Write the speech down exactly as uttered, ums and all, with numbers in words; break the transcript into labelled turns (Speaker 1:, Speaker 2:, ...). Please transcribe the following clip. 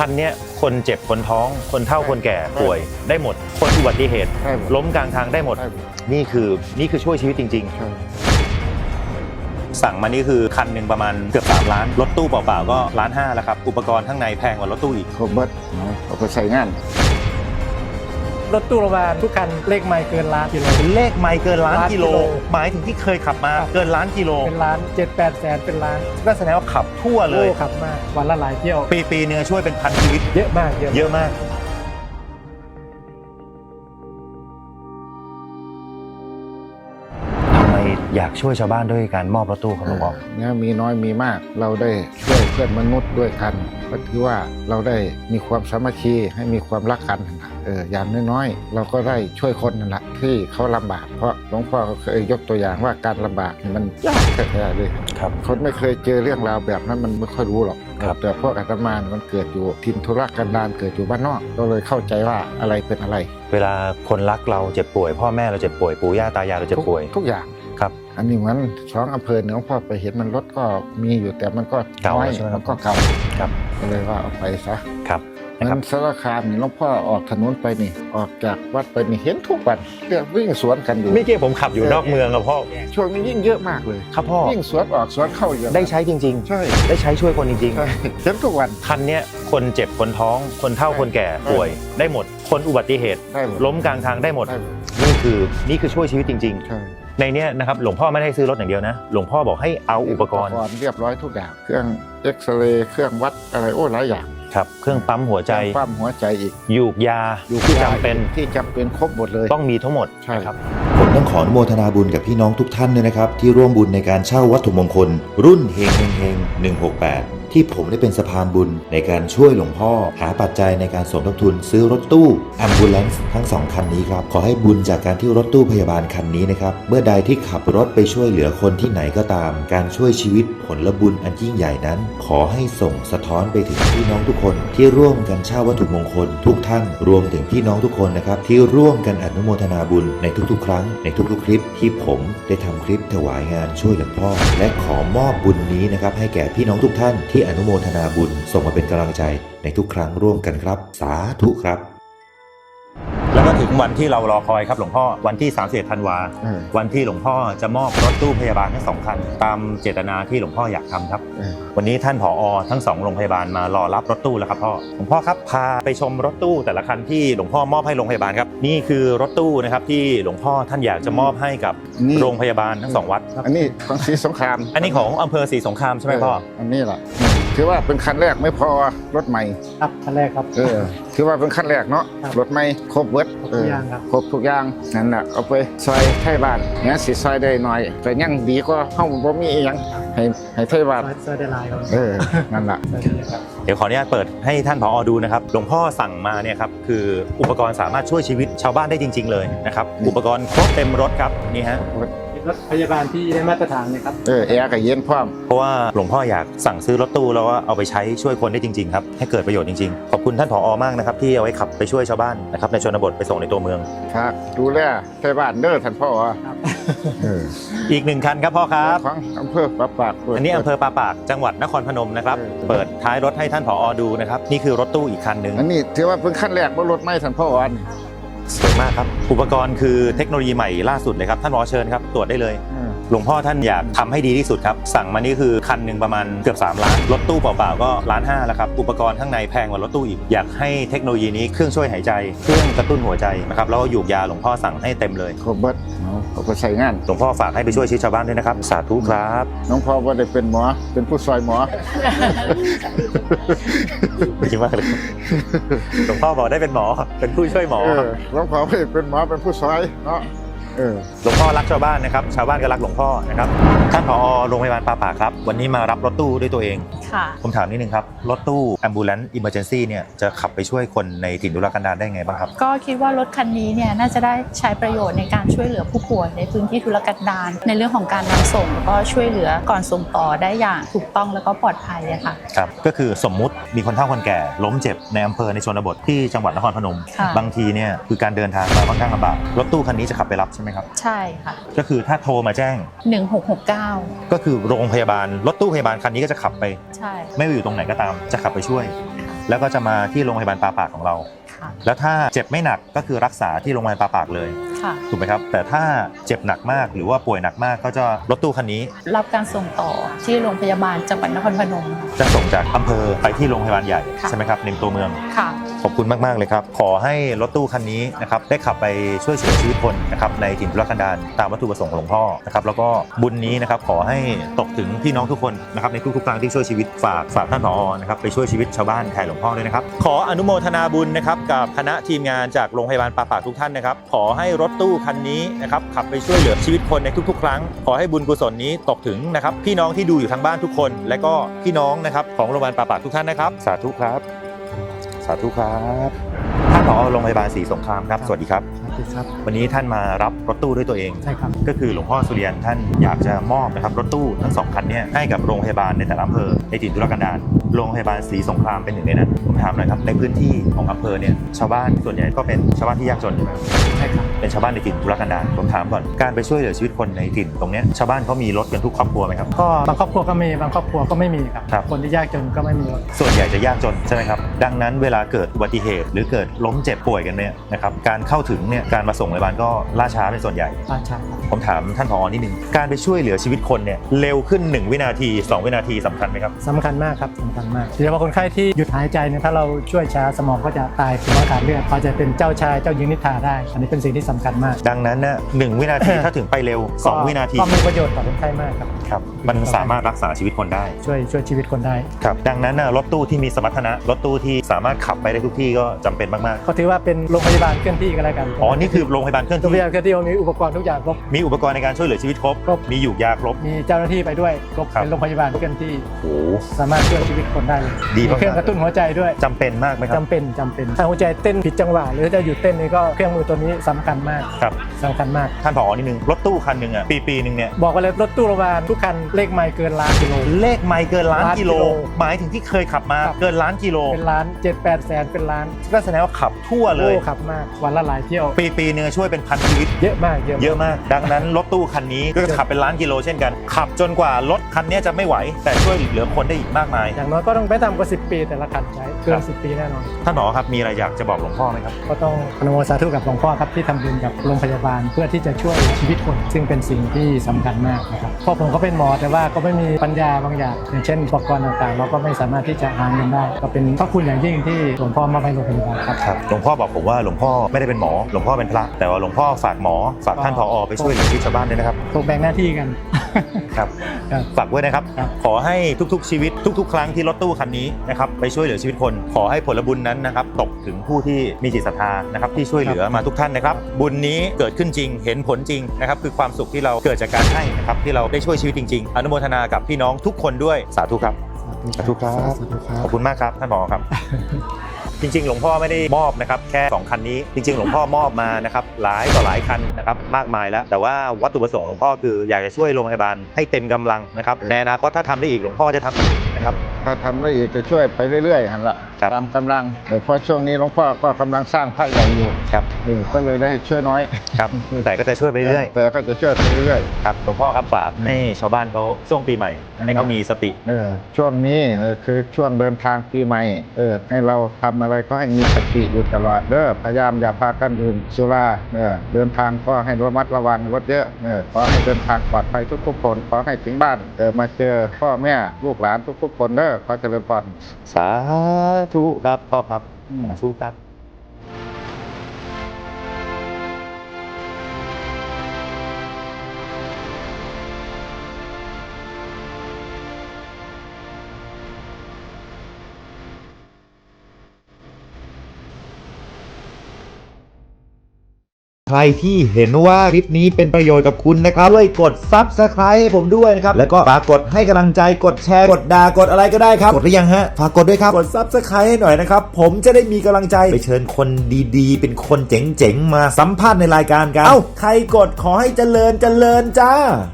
Speaker 1: คันนี้คนเจ็บคนท้องคนเฒ่าคนแก่ป่วยได้หมดคนอุบัติเหตุล้มกลางทางได้หมดนี่คือนี่คือช่วยชีวิตจริงๆสั่งมานี่คือคันหนึ่งประมาณเกือบสามล้านรถตู้เปล่าๆก็ล้านห้าแล้วครับอุปกรณ์ข้างในแพงกว่ารถตู้อีก
Speaker 2: ครบเบิดเอาไปใช้งาน
Speaker 3: รถตู้โรงพยาบาลทุกคันเลขไมล์เกินล้านกิโล
Speaker 1: เลขไมล์เกินล้านกิโลหมายถึงที่เคยขับมาเกินล้านกิโล
Speaker 3: เป็นล้านเจ็ดแปดแสนเป็นล้าน
Speaker 1: ก็แสดงว่าขับทั่วเลย
Speaker 3: ขับมากวันละหลายเที่ยว
Speaker 1: ปีปีนึงช่วยเป็นพันชีวิต
Speaker 3: เยอะมาก
Speaker 1: เยอะมากอยากช่วยชาวบ้านด้วยการมอบรถตู้ครับหลวงพ่อ
Speaker 2: เนี่ยมีน้อยมีมากเราได้ช่วยเพื่อนมนุษย์ด้วยกันก็ถือว่าเราได้มีความสามัคคีให้มีความรักกันเอออย่างน้อยๆเราก็ได้ช่วยคนนั่นแหละที่เขาลำบากเพราะหลวงพ่อเคยยกตัวอย่างว่าการลำบากมันยากแท้ๆเลย
Speaker 1: ครับ
Speaker 2: คนไม่เคยเจอเรื่องราวแบบนั้นมันไม่ค่อยรู้หรอกแต่พวกอาตมามันเกิดอยู่ทินทุรกันดารเกิดอยู่บ้านนอกก็เลยเข้าใจว่าอะไรเป็นอะไร
Speaker 1: เวลาคนรักเราเจ็บป่วยพ่อแม่เราเจ็บป่วยปู่ย่าตายายเราเจ็บป่วย
Speaker 2: ทุกอย่าง
Speaker 1: ครับ
Speaker 2: อันนี้มันสองอำเภอหลวงพ่อไปเห็นมันรถก็มีอยู่แต่มันก็
Speaker 1: เก่า
Speaker 2: ใช่ไหมมันก็เก่า
Speaker 1: ครับ
Speaker 2: ก็เลยว่าเอาไปซะ
Speaker 1: ครับ
Speaker 2: มันสารคามนี่หลวงพ่อออกถนนไปนี่ออกจากวัดไปนี่เห็นทุกวันเรื่องวิ่งสวนกันอยู่
Speaker 1: เมื่อกี้ผมขับอยู่นอกเมืองครับพ่อ
Speaker 2: ช่วงนี้ยิ่งเยอะมากเลย
Speaker 1: ครับพ่อ
Speaker 2: วิ่งสวนออกสวนเข้าเยอะ
Speaker 1: ได้ใช้จริงๆ
Speaker 2: ใช่
Speaker 1: ได้ใช้ช่วยคนจริง
Speaker 2: ๆเห็นทุกวัน
Speaker 1: คันนี้คนเจ็บคนท้องคนเฒ่าคนแก่ป่วยได้หมดคนอุบัติเหตุล้มกลางทางได้หมดนี่คือนี่คือช่วยชีวิตจริงๆในนี้นะครับหลวงพ่อไม่ได้ซื้อรถอย่างเดียวนะหลวงพ่อบอกให้เอาอุปกรณ์
Speaker 2: เรียบร้อยทุกอย่างเครื่องเอ็กซเรย์เครื่องวัดอะไรโอ้หลายอย่าง
Speaker 1: ครับเครื่องปั๊มหัวใจ
Speaker 2: ปั๊มหัวใจอีก
Speaker 1: ยูกยาที่จำเป็น
Speaker 2: ที่จำเป็นครบหมดเลย
Speaker 1: ต้องมีทั้งหมด
Speaker 2: ใช่ครับ
Speaker 4: ผมต้องขออนุโมทนาบุญกับพี่น้องทุกท่านด้วยนะครับที่ร่วมบุญในการเช่าวัตถุมงคลรุ่นเฮงเฮงเฮงหนึ่งหกแปดที่ผมได้เป็นสะพานบุญในการช่วยหลวงพ่อหาปัจจัยในการสมทบทุนซื้อรถตู้ Ambulance ทั้งสองคันนี้ครับขอให้บุญจากการที่รถตู้พยาบาลคันนี้นะครับเมื่อใดที่ขับรถไปช่วยเหลือคนที่ไหนก็ตามการช่วยชีวิตผลบุญอันยิ่งใหญ่นั้นขอให้ส่งสะท้อนไปถึงพี่น้องทุกคนที่ร่วมกันเช่าวัตถุมงคลทุกท่านรวมถึงพี่น้องทุกคนนะครับที่ร่วมกันอนุโมทนาบุญในทุกๆครั้งในทุกๆคลิปที่ผมได้ทำคลิปถวายงานช่วยหลวงพ่อและขอมอบบุญนี้นะครับให้แก่พี่น้องทุกท่านที่อนุโมทนาบุญส่งมาเป็นกำลังใจในทุกครั้งร่วมกันครับสาธุครับ
Speaker 1: แล้วก็ถึงวันที่เรารอคอยครับหลวงพ่อวันที่สามสิบเอ็ดธันวาวันที่หลวงพ่อจะมอบรถตู้พยาบาลทั้งสองคันตามเจตนาที่หลวงพ่ออยากทำครับวันนี้ท่านผอ.ทั้งสองโรงพยาบาลมารอรับรถตู้แล้วครับพ่อหลวงพ่อครับพาไปชมรถตู้แต่ละคันที่หลวงพ่อมอบให้โรงพยาบาลครับนี่คือรถตู้นะครับที่หลวงพ่อท่านอยากจะมอบให้กับโรงพยาบาลทั้งสองวัด
Speaker 2: อันนี้ของศรีสงคราม
Speaker 1: อันนี้ของอำเภอศรีสงครามใช่ไหมพ่อ
Speaker 2: อันนี้แหละถือว่าเป็นคันแรกไม่พอรถใหม่
Speaker 3: ครับคันแรกครับ
Speaker 2: เออถือว่าเป็นคันแรกเนาะรถใหม่ครบเวิร์ด
Speaker 3: ครบทุกอย่างครับ
Speaker 2: ครบทุกอย่างนั่นแหละเอาไปซอยไทยบ้านเนี่ยสิซอยได้หน่อยแต่ยังดีก็ห้องบ่มีอย่างให้ให้ไทยบ้าน
Speaker 3: ซอยได้หลายครับ
Speaker 2: เออนั่นแหละ
Speaker 1: เดี๋ยวขออนุญาตเปิดให้ท่านผอ.ดูนะครับหลวงพ่อสั่งมาเนี่ยครับคืออุปกรณ์สามารถช่วยชีวิตชาวบ้านได้จริงๆเลยนะครับอุปกรณ์ครบเต็มรถครับนี่ฮะ
Speaker 3: รถพยาบาลที่ได้มาตรฐานเลยครับ
Speaker 2: เออแอร์กับเย็นพร้อม
Speaker 1: เพราะว่าหลวงพ่ออยากสั่งซื้อรถตู้แล้วว่าเอาไปใช้ช่วยคนได้จริงๆครับให้เกิดประโยชน์จริงๆขอบคุณท่านผอ.มากนะครับที่เอาไว้ขับไปช่วยชาวบ้านนะครับในชนบทไปส่งในตัวเมือง
Speaker 2: ครับดูแลไทยบ้านเด้อท่านพ่อ
Speaker 3: ครับ
Speaker 1: อีกหนึ่งคันครับพ่อครับ
Speaker 2: ของอำเภอปาปาก
Speaker 1: อันนี้อำเภอปาปากจังหวัดนครพนมนะครับเปิดท้ายรถให้ท่านผอ.ดูนะครับนี่คือรถตู้อีกคันหนึ่ง
Speaker 2: อันนี้ถือว่าเป็นขั้นแรกบนรถไม่ท่านพ่ออัน
Speaker 1: สวยมากครับอุปกรณ์คือเทคโนโลยีใหม่ล่าสุดเลยครับท่านผอ.เชิญครับตรวจได้เลยหลวงพ่อท่านอยากทำให้ดีที่สุดครับสั่งมานี่คือคันหนึ่งประมาณเกือบสามล้านรถตู้เปล่าๆก็ล้านห้าแล้วครับอุปกรณ์ข้างในแพงกว่ารถตู้อีกอยากให้เทคโนโลยีนี้เครื่องช่วยหายใจเครื่องกระตุ้นหัวใจนะครับแล้วยูกยาหลวงพ่อสั่งให้เต็มเลย
Speaker 2: ครบเบิดเอาไปใช้งาน
Speaker 1: หลวงพ่อฝากให้ไปช่วยชีวิตชาวบ้านด้วยนะครับสาธุครับ
Speaker 2: หลวงพ่อว่าได้เป็นหมอเป็นผู้ซอยหมอ
Speaker 1: จริงมากเลยหลวงพ่อบอกได้เป็นหมอเป็นผู้ช่วยหมอ
Speaker 2: หลวงพ่อไม่เป็นหมอเป็นผู้ซอยเนาะ
Speaker 1: หลวงพ่อรักชาวบ้านนะครับชาวบ้านก็รักหลวงพ่อนะครับท่านผอ.โรงพยาบาลปาปากครับวันนี้มารับรถตู้ด้วยตัวเอง
Speaker 5: ค่ะ
Speaker 1: ผมถามนิดนึงครับรถตู้ Ambulance Emergency เนี่ยจะขับไปช่วยคนในถิ่นทุรกันดารได้ไงบ้างครับ
Speaker 5: ก็คิดว่ารถคันนี้เนี่ยน่าจะได้ใช้ประโยชน์ในการช่วยเหลือผู้ป่วยในพื้นที่ทุรกันดารในเรื่องของการนำส่งแล้วก็ช่วยเหลือก่อนส่งต่อได้อย่างถูกต้องแล้วก็ปลอดภัยอะค่ะ
Speaker 1: ครับก็คือสมมุติมีคนเฒ่าคนแก่ล้มเจ็บในอำเภอในชนบทที่จังหวัดนครพนมบางทีเนี่ยคือการเดินทางมาค่อนข้างลำบากรถตู้คันนี้จะขับไปรับใช่ไหมครับ
Speaker 5: ใช่ค่ะ
Speaker 1: ก็คือถ้าโทรมาแจ้ง
Speaker 5: หนึ่งหกหกเก้าก็
Speaker 1: คือโรงพยาบาลรถตู้พยาบาลคันนี้ก็จะขับไป
Speaker 5: ใช่
Speaker 1: ไม่ว่าอยู่ตรงไหนก็ตามจะขับไปช่วยแล้วก็จะมาที่โรงพยาบาลปาปากของเรา
Speaker 5: ค่ะ
Speaker 1: แล้วถ้าเจ็บไม่หนักก็คือรักษาที่โรงพยาบาลปาปากเลย
Speaker 5: ค่ะ
Speaker 1: ถูกไหมครับแต่ถ้าเจ็บหนักมากหรือว่าป่วยหนักมากก็จะรถตู้คันนี้
Speaker 5: รับการส่งต่อที่โรงพยาบาลจังหวัดนครพนม
Speaker 1: จะส่งจากอำเภอไปที่โรงพยาบาลใหญ่
Speaker 5: ค่ะ
Speaker 1: ใช่ไหมครับในตัวเมือง
Speaker 5: ค่ะ
Speaker 1: ขอบคุณมากๆเลยครับขอให้รถตู้คันนี้นะครับได้ขับไปช่วยเหลือชีวิตคนนะครับในถิ่นทุรกันดารตามวัตถุประสงค์ของหลวงพ่อนะครับแล้วก็บุญนี้นะครับขอให้ตกถึงพี่น้องทุกคนนะครับในทุกๆครั้งที่ช่วยชีวิตฝากฝากท่านผอนะครับไปช่วยชีวิตชาวบ้านแทนหลวงพ่อด้วยนะครับขออนุโมทนาบุญนะครับกับคณะทีมงานจากโรงพยาบาลปาปากทุกท่านนะครับขอให้รถตู้คันนี้นะครับขับไปช่วยเหลือชีวิตคนในทุกๆ ครั้งขอให้บุญกุศลนี้ตกถึงนะครับพี่น้องที่ดูอยู่ทางบ้านทุกคน และก็พี่น้องนะครับของโรงพยาบาลปาปากทุกท่านนะครับสาธุครับสาธุครับท่านผอโรงพยาบาลศรีสงครามครับสวัสดีครับ
Speaker 3: สวัสดีครับ
Speaker 1: วันนี้ท่านมารับรถตู้ด้วยตัวเอง
Speaker 3: ใช่ครับ
Speaker 1: ก็คือหลวงพ่อสุริยันท่านอยากจะมอบนะครับรถตู้ทั้งสองคันเนี้ให้กับโรงพยาบาลในแต่ละอำเภอในถิ่นทุรกันดารโรงพยาบาลศรีสงครามเป็นหนึ่งในนั้นผมถามหน่อยครับในพื้นที่ของอำเภอเนี่ยชาวบ้านส่วนใหญ่ก็เป็นชาวบ้านที่ยากจนใช่ไหม
Speaker 3: ใช่ครับ
Speaker 1: เป็นชาวบ้านในถิ่นทุรกันดารผมถามก่อนการไปช่วยเหลือชีวิตคนในถิ่นตรงเนี้ยชาวบ้านเขามีรถกันทุกครอบครัวไหมครับ
Speaker 3: ก็บางครอบครัวก็มีบางครอบครัวก็ไม่มีครับ
Speaker 1: ครับ
Speaker 3: คนที่ยากจนก็ไม่มีรถ
Speaker 1: ส่วนใหญ่จะยากจนใช่ไหมครับดังนั้นเวลาเกิดอุบัติเหตุ หรือเกิดล้มเจ็บป่วยกันเนี่ยนะครับการเข้าถึงเนี่ยการมาส่งโรงพยาบาลก็ล่าช้าเป็นส่วนใหญ่
Speaker 3: ราชาครับ
Speaker 1: ผมถามท่านผอนิดนึงการไปช่วยเหลือชีวิตคนเนี่ยเร็วขึ้นหนึ่งวินาทีสองวินาทีสำคัญไหมครับ
Speaker 3: สำคัญมากครับสำคัญมากโดยเฉพาะคนไข้ที่หยุดหายใจเนี่ยถ้าเราช่วยช้าสมองก็จะตายถึงว่าขาดเลือดเขาจะเป็นเจ้าชายเจ้าหญิงนิทราได้ อันนี้เป็นสิ่งที่สำคัญมาก
Speaker 1: ดังนั้นนะหนึ่งวินาที ถ้าถึงไปเร็วสองวินาที
Speaker 3: ก็มีประโยชน์ต่อคนไข้มากครับ
Speaker 1: ครับมันสามารถรักษาชีวิตคนได้
Speaker 3: ช่วยช่วยชีวิตคนได้
Speaker 1: ครับดังนั้นนะรถตู้ที่มีสมรรถนะรถตู้ที่สามารถขับไปได้ทุกที่ก็จำเป็นมาก
Speaker 3: ก็ถือว่าเป็นโรงพยาบาลเคลื่อนที่ก็แล้วกัน
Speaker 1: ๆอ๋อนี่คือโรงพยาบาลเคลื่อน
Speaker 3: โรงพ
Speaker 1: ที่
Speaker 3: ยาบาลเคลื่อนที่มีอุปกรณ์ทุกอย่างครบ
Speaker 1: มีอุปกรณ์ในการช่วยเหลือชีวิตครบ
Speaker 3: ครบ
Speaker 1: มีหยูกยาครบ
Speaker 3: มีเจ้าหน้าที่ไปด้วยครบ
Speaker 1: ครับ
Speaker 3: เป็นโรงพยาบาลเคลื่อนที่
Speaker 1: โอ้
Speaker 3: สามารถช่วยชีวิตคนได้เลย
Speaker 1: ดี
Speaker 3: มี
Speaker 1: มากๆ
Speaker 3: เครื่องกระตุ้นหัวใจด้วย
Speaker 1: จำเป็นมากไหมครับ
Speaker 3: จำเป็นจำเป็นถ้าหัวใจเต้นผิดจังหวะหรือจะหยุดเต้นนี่ก็เครื่องมือตัวนี้สำคัญมาก
Speaker 1: ครับ
Speaker 3: สำคัญมาก
Speaker 1: ท่านผอนิดนึงรถตู้คันหนึ่งอ่ะปีปีหนึ่งเนี่ย
Speaker 3: บอกไปเลยรถตู้โรงพยาบาลทุกคันเลขไมล์เกินล้านกิโล
Speaker 1: เลขไมล์เกินล้าน
Speaker 3: ล้านกิ
Speaker 1: กิ
Speaker 3: โล
Speaker 1: โล หมายถึงที่เคยขับมา
Speaker 3: ครับ
Speaker 1: เกินล้านกิโล
Speaker 3: เป็นล้านเจ็ดแปดแสนเป็นล้าน
Speaker 1: ก็แสดงว่าขับทั่วเลย
Speaker 3: โอ้ขับมากวันละหลายเที่ยว
Speaker 1: ปีปีหนึงช่วยเป็นพันชีวิต
Speaker 3: เยอะมากเยอะ
Speaker 1: เยอะมาก ดังนั้นรถตู้คันนี้ก็จะขับเป็นล้านกิโลเช่นกัน ขับจนกว่ารถคันนี้จะไม่ไหว แต่ช่วยเหลือคนได้อีกมากมาย
Speaker 3: อย่างน้อยก็ต้องไปต่ำกว่าสิบปีแต่ละคันใช้เกิ
Speaker 1: ครั
Speaker 3: น
Speaker 1: บ
Speaker 3: สิบปีแน่นอน
Speaker 1: ท่านผอครับมีอะไรอยากจะบอกหลวงพ่อไหมครับ
Speaker 3: ก็ต้องอนุโมทนาสาธุกับหลวงพ่อครับที่ทำบุญกับโรงพยาบาลเพื่อที่จะช่วยชีวิตคน ซึ่งเป็นสิ่งที่สำคัญมากนะครับเพราะผมก็เป็นหมอแต่ว่าก็ไม่มีปัญญาบางอย่างอย่างเช่นอุปกรณ์ต่างๆ เราก็ไม่สามารถที่จะหาเงินได้ก็เป็นพระคุณอย่างยิ่งที่หลวงพ่อมอบให้โรงพยาบาลครับ
Speaker 1: ครับหลวงพ่อบอกผมว่าหลวงพ่อไม่ได้เป็นหมอ หลวงพ่อเป็นพระ แต่ว่าหลวงพ่อฝากหมอ ฝากท่านผอไปช่วยเหลือชีวิตชาวบ้านด้วยนะครับ
Speaker 3: ถูกแบ่งหน้าที่กัน
Speaker 1: ครับ
Speaker 3: ครับ
Speaker 1: ฝากด้วยนะครับ
Speaker 3: ครับ
Speaker 1: ขอให้ทุกๆชีวิตทุก ๆ ครั้งที่รถตู้คันนี้นะครับไปช่วยเหลือชีวิตคน ขอให้ผลบุญนั้นนะครับตกถึงผู้ที่มีจิตศรัทธานะครับที่ช่วยเหลือมาทุกท่านนะครับ บุญนี้เกิดขึ้นจริงเห็นผลจริงนะครับคือความสุขที่เราเกิดจากการให้นะครับที่เราได้ช่วยชีวิตจริง ๆ อนุโมทนากับพี่น้องทุกคนด้วยสาธุครับ สาธุครับ
Speaker 3: สาธุครับ
Speaker 1: ขอบคุณมากครับท่านผอครับ จริงๆ หลวงพ่อไม่ได้มอบนะครับแค่สองคันนี้จริงๆ หลวงพ่อมอบมานะครับหลายต่อหลายคันนะครับมากมายแล้วแต่ว่าวัตถุประสงค์หลวงพ่อคืออยากจะช่วยโรงพยาบาลให้เต็มกำลังนะครับในอนาคตถ้าทำได้อีกหลวงพ่อจะทำอีกนะครับ
Speaker 2: ถ้าทำได้อีกจะช่วยไปเรื่อยๆหันละ
Speaker 1: ครับ
Speaker 2: ตามกำลังแต่เพราะช่วงนี้หลวงพ่อก็กำลังสร้างพระใหญ่อยู่
Speaker 1: ครับ
Speaker 2: เออก็เลยได้ช่วยน้อย
Speaker 1: ครับแต่ก็จะช่วยไปเรื่อย
Speaker 2: แต่ก็จะช่วยไปเรื่อย
Speaker 1: ครับหลวงพ่อครับฝากให้ชาวบ้านเขาช่วงปีใหม่ให้เขามีสติ
Speaker 2: ๆเออช่วงนี้เออคือช่วงเดินทางปีใหม่เออให้เราทำอะไรก็ให้มีสติอยู่ตลอดเด้อพยายามอย่าพากันดื่มสุราเออเดินทางก็ให้ระมัดระวังรถเยอะเออขอให้เดินทางปลอดภัยทุกๆคนขอให้ถึงบ้านเออมาเจอพ่อแม่ลูกหลานทุกๆคนเด้อขอเจริญพร
Speaker 1: สาธุครับพ่อครับสาธุครับ
Speaker 4: ใครที่เห็นว่าคลิปนี้เป็นประโยชน์กับคุณนะครับช่วยกด ซับสไครบ์ ให้ผมด้วยนะครับแล้วก็ฝากกดให้กำลังใจกดแชร์กดด่ากดอะไรก็ได้ครับกดหรือยังฮะฝากกดด้วยครับกด ซับสไครบ์ ให้หน่อยนะครับผมจะได้มีกำลังใจไปเชิญคนดีๆ เป็นคนเจ๋งๆมาสัมภาษณ์ในรายการกันเอ้าใครกดขอให้เจริญเจริญจ้า